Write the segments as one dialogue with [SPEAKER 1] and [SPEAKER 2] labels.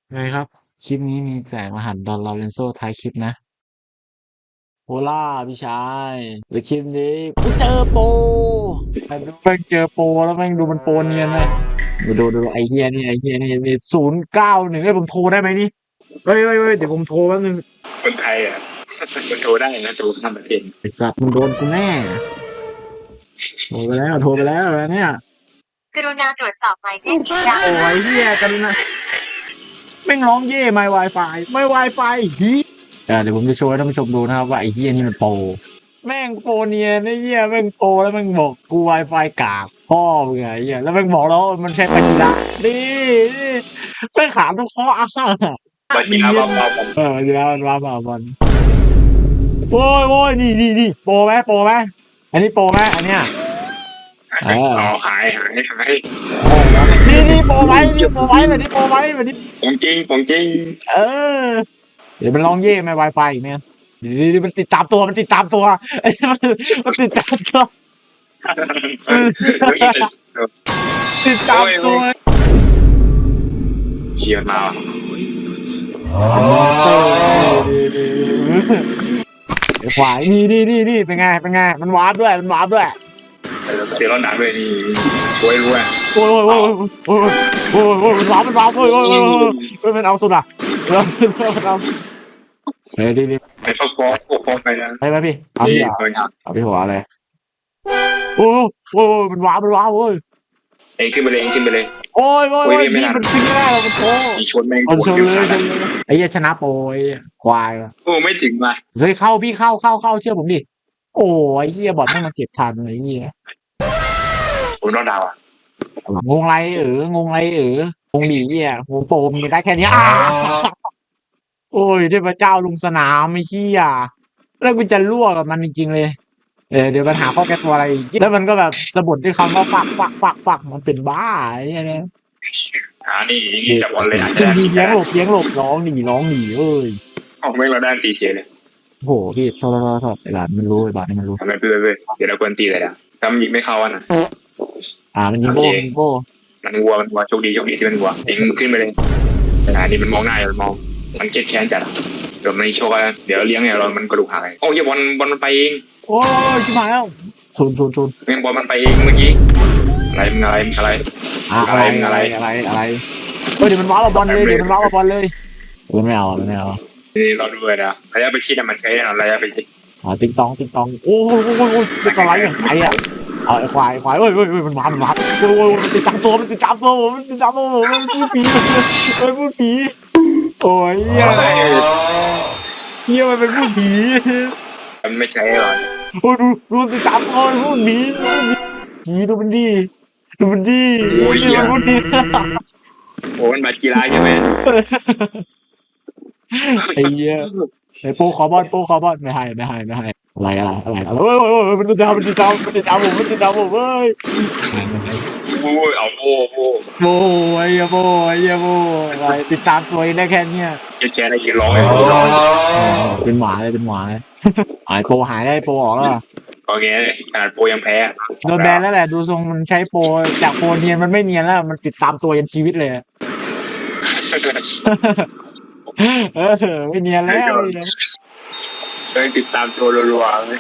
[SPEAKER 1] ไงครับคลิปนี้มีแจกรหัสดอนลอเรนโซท้ายคลิปนะโฮล่าพี่ชายหรือคลิปนี้กูเจอโปรแต่ดูแม่งเจอโปรแล้วแม่งดูมันโปรเนียนนะดูไอ้เฮียนี่มี091ให้ผมโทรได้ไหมนี่เฮ้ยเดี๋ยวผมโทรแป๊บนึง
[SPEAKER 2] คนไทยอ่ะมันโทรได้นะโทรข้ามประเทศ
[SPEAKER 1] ไอ้สัตว์มึงโดนกูแน่โทรไปแล้วเนี่ย
[SPEAKER 3] กรุณาตรวจสอบหมายเลขที่ได้
[SPEAKER 1] โอ้ยเฮียกันนะแม่งร้องเย่ไม่ Wi-Fi ไม่ Wi-Fi ฮีเดี๋ยวผมจะโชว์ให้ท่านผู้ชมดูนะครับว่าไอ้เฮียนี่มันโปร แม่งโปรเนียนไอ้เหี้ยแม่งโปรแล้วแม่งบอกกู Wi-Fi กากพ่อมึงไงไอ้เหี้ยแล้วแม่งบอกแล้วมันใช้ปัญญานี่เส้นขาทุกข้ออ้างอ่ะ
[SPEAKER 2] บัตรกีฬาเบาๆกัน
[SPEAKER 1] เดี๋ยวมันว่ามาบอลโอ้ยนี่โปรไหมอันนี้โปรไหมอันเนี้ยเออ
[SPEAKER 2] หาย
[SPEAKER 1] นี่โปรไหมแบบนี้โปรไหมแบบนี้
[SPEAKER 2] ผมจริง
[SPEAKER 1] เออเดี๋ยวมันลองเย่ไหม Wi-Fi อีกเนี่ยนี่มันติดตามตัวไอ้มันติดตามตัวติดตามตัว
[SPEAKER 2] เชียร์มา
[SPEAKER 1] ไอ้ขวายนี่เป็นไงมันวาร์ปด้วย
[SPEAKER 2] เสียร้อนหนักเลยนี่ช่วยรู้อ่ะ
[SPEAKER 1] โอ้ยมันวาร์ปโอ้ยมันเอาสุดอ่ะมันเอาเฮ้ยดี
[SPEAKER 2] ไปฟ้องไปนะ
[SPEAKER 1] ไปพี่เอาพี่เอาพี่หัวเลยโอ้มันวาร์ปโอ้ย
[SPEAKER 2] เองขึ้นไปเลย
[SPEAKER 1] โอ้ยพี่มันขึ้นไม่ได้หรอกมันโผล่
[SPEAKER 2] ชนแม่ง
[SPEAKER 1] ชนเลยไอ้เหี้ยชนะโปรยควาย
[SPEAKER 2] โอ้ไม่ถึงว่ะ
[SPEAKER 1] เฮ้ยเข้าพี่เข้าเชื่อผมดิโอ้ยเหี้ยบอทแม่งมาเก็บทันไอ้เหี้ย
[SPEAKER 2] ผมรอดดาวอ่ะ
[SPEAKER 1] งงไรงงดีเหี้ยงงโปรมีได้แค่นี้โอ้ยเทพเจ้าลุงสนามไอ้เหี้ยแล้วกูจะรั่วกับมันจริงๆเลยเดี๋ยวปัญหาข้อแก้ตัวอะไรอีกแล้วมันก็แบบสะบัดด้วยคำว่าปักมันเป็นบ้าไอ้เนี่ย
[SPEAKER 2] นี่จับบอลเลยอาจจะ
[SPEAKER 1] เลี้ยงหลบร้องหนีเอ้ย
[SPEAKER 2] ออกไม่เราได้ตีเชียเลย
[SPEAKER 1] โหพี่โทษไอ้บาทมันรู้
[SPEAKER 2] ทำไมเพื่อนเดี๋ยวเราควรตีเลยนะถ้ามันยิงไม่เข้าอ่ะนะ
[SPEAKER 1] มันยิงโบ้
[SPEAKER 2] มันวัวโชคดีที่มันวัวเองขึ้นไปเลยนี่มันมองหน้ามันเจ็ดแค้นจัดเดี๋ยวมันโชคเดี๋ยวเลี้ยงเนี่ยมันกระดูกหายโอ้ยบอลมันไปเอง
[SPEAKER 1] โอ้ยชิบหายแล้วชน
[SPEAKER 2] เงี้ยบอลมันไปเองเมื่อกี้อะไร
[SPEAKER 1] เฮ้ยเดี๋ยวมันว้าวบอลเลยไม่เอา
[SPEAKER 2] นี่เราดูเลยนะระยะไปชิดมันใช้ระยะไปชิด
[SPEAKER 1] ติ๊งตองโอ้ยจะสไลด์อย่างไรอ่ะไอ้ควายเอ้ยมันมาโอ้ยมันติดตามตัวผมมันพูดผีโอ้ยเฮียมันเป็นพูดผี
[SPEAKER 2] มันไม่ใช่หรอ
[SPEAKER 1] โอ้ดูติดตามตัวพูดผีดูมันดี
[SPEAKER 2] โอ้ย
[SPEAKER 1] มันพูดดี
[SPEAKER 2] โอ้มันมากีฬาใช่ไหม
[SPEAKER 1] ไอ้เหี้ยไอ้โปขอบอลไม่ให้อะไรโอ้ยมันติดตามผมเว้ย
[SPEAKER 2] โอ้ยเอาโ
[SPEAKER 1] ไอ้โบอะไรติดตามตัวเองได้แค่เนี้ย
[SPEAKER 2] แกได้ยินร้อง
[SPEAKER 1] เป็นหมาเลยไอ้โปหายได้โปออกแล้ว
[SPEAKER 2] โอเคขนาดโปยังแพ้
[SPEAKER 1] โดนแบนแล้วแหละดูทรงมันใช้โปจากโปเนียนมันไม่เนียนแล้วมันติดตามตัวยันชีวิตเลยไม่เนียนแล้ว
[SPEAKER 2] ติดตามตัวรัวๆ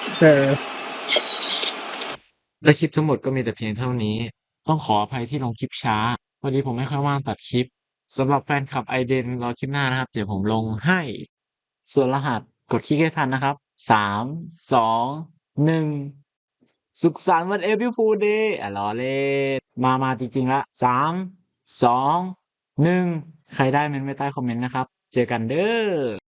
[SPEAKER 1] และคลิปทั้งหมดก็มีแต่เพียงเท่านี้ต้องขออภัยที่ลงคลิปช้าพอดีผมไม่ค่อยว่างตัดคลิปสำหรับแฟนคลับไอเดนรอคลิปหน้านะครับเดี๋ยวผมลงให้ส่วนรหัสกดคลิกให้ทันนะครับ3 2 1สุขสันต์วันเอพิลฟูลเดย์ล้อเล่นมาจริงๆละ3 2 1ใครได้เมนต์ไว้ใต้คอมเมนต์นะครับเจอกันเด้อ